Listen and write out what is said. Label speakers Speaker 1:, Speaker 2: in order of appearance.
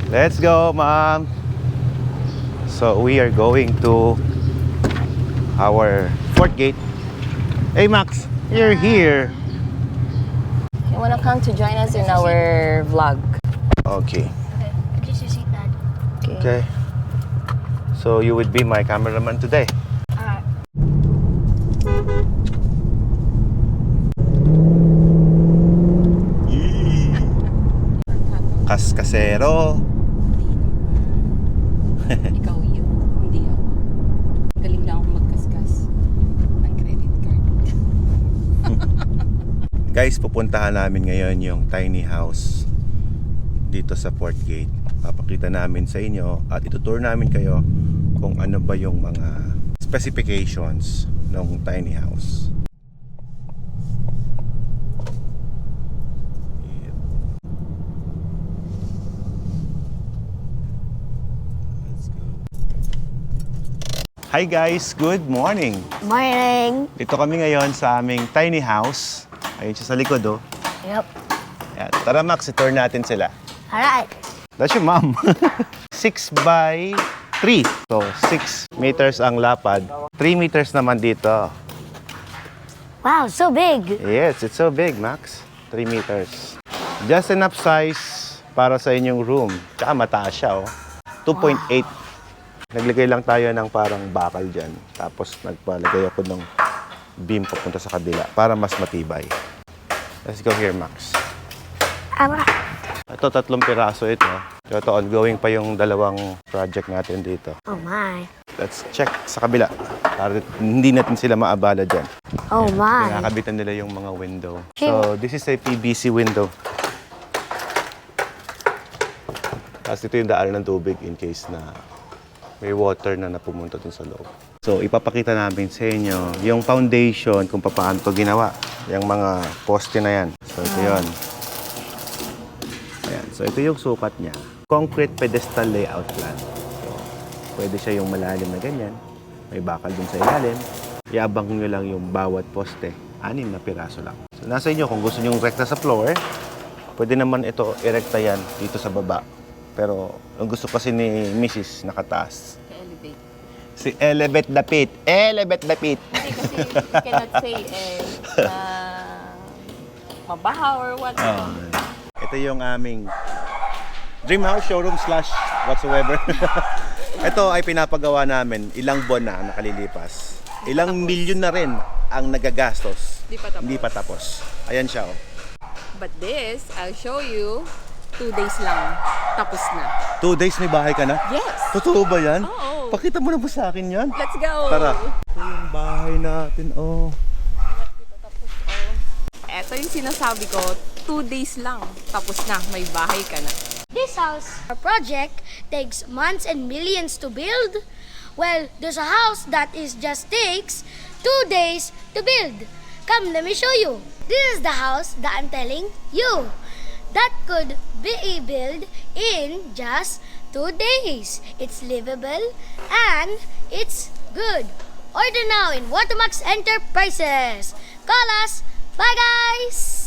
Speaker 1: Let's go, Mom. So we are going to our fourth gate. Hey, Max, you're here.
Speaker 2: You wanna come to join us in our vlog?
Speaker 1: Okay.
Speaker 3: Okay, just you see that.
Speaker 1: Okay. So you would be my cameraman today. Kaskasero.
Speaker 2: Ikaw yun, hindi ako. Galing lang akong magkaskas ng credit card.
Speaker 1: Guys, pupuntahan namin ngayon yung tiny house dito sa Port Gate. Papakita namin sa inyo at itutour namin kayo kung ano ba yung mga specifications ng tiny house. Hi guys, good morning.
Speaker 3: Morning.
Speaker 1: Dito kami ngayon sa aming tiny house. Ayun siya sa likod, oh.
Speaker 3: Yep.
Speaker 1: Yan. Tara Max, i-tour natin sila.
Speaker 3: Alright.
Speaker 1: That's your mom. 6 by 3. So, 6 meters ang lapad. 3 meters naman dito.
Speaker 3: Wow, so big.
Speaker 1: Yes, it's so big, Max. 3 meters. Just enough size para sa inyong room. Tsaka mataas siya, oh. 2.8. Naglagay lang tayo ng parang bakal dyan. Tapos nagpalagay ako ng beam papunta sa kabila para mas matibay. Let's go here, Max.
Speaker 3: Alright.
Speaker 1: Ito, 3 piraso ito. Ito, ongoing pa yung dalawang project natin dito.
Speaker 3: Oh my.
Speaker 1: Let's check sa kabila. Para hindi natin sila maabala dyan.
Speaker 3: Oh my.
Speaker 1: Kinakabitan nila yung mga window. So, this is a PVC window. Tapos ito yung daanan ng tubig in case na may water na napumunta dun sa loob. So, ipapakita namin sa inyo yung foundation kung paano ito ginawa. Yung mga poste na yan. So, ito yun. Ayan. So, ito yung sukat niya. Concrete pedestal layout plan. So, pwede siya yung malalim na ganyan. May bakal dun sa ilalim. Iabang nyo lang yung bawat poste. 6 na piraso lang. So, nasa inyo kung gusto nyo rekta sa floor, pwede naman ito irekta yan dito sa baba. Pero, ang gusto kasi ni Mrs. nakataas.
Speaker 2: Elevate.
Speaker 1: Si elevate the pit. Elevate the pit.
Speaker 2: Hindi kasi you cannot say mabaha or what.
Speaker 1: Ito yung aming dream house, showroom slash whatsoever. Ito ay pinapagawa namin ilang buwan na nakalilipas. Ilang milyon na rin ang nagagastos.
Speaker 2: Hindi pa tapos.
Speaker 1: Ayan siya, oh.
Speaker 2: But this, I'll show you, 2 days lang. Tapos na.
Speaker 1: 2 days may bahay ka na?
Speaker 2: Yes!
Speaker 1: Totoo ba yan?
Speaker 2: Oo.
Speaker 1: Pakita mo na po sa akin yan.
Speaker 2: Let's go!
Speaker 1: Tara. Ito yung bahay natin, oh.
Speaker 2: Ito yung sinasabi ko, 2 days lang. Tapos na, may bahay ka na.
Speaker 3: This house, our project, takes months and millions to build. Well, there's a house that just takes 2 days to build. Come, let me show you. This is the house that I'm telling you. That could be built in just 2 days. It's livable and it's good. Order now in Watermax Enterprises. Call us. Bye, guys!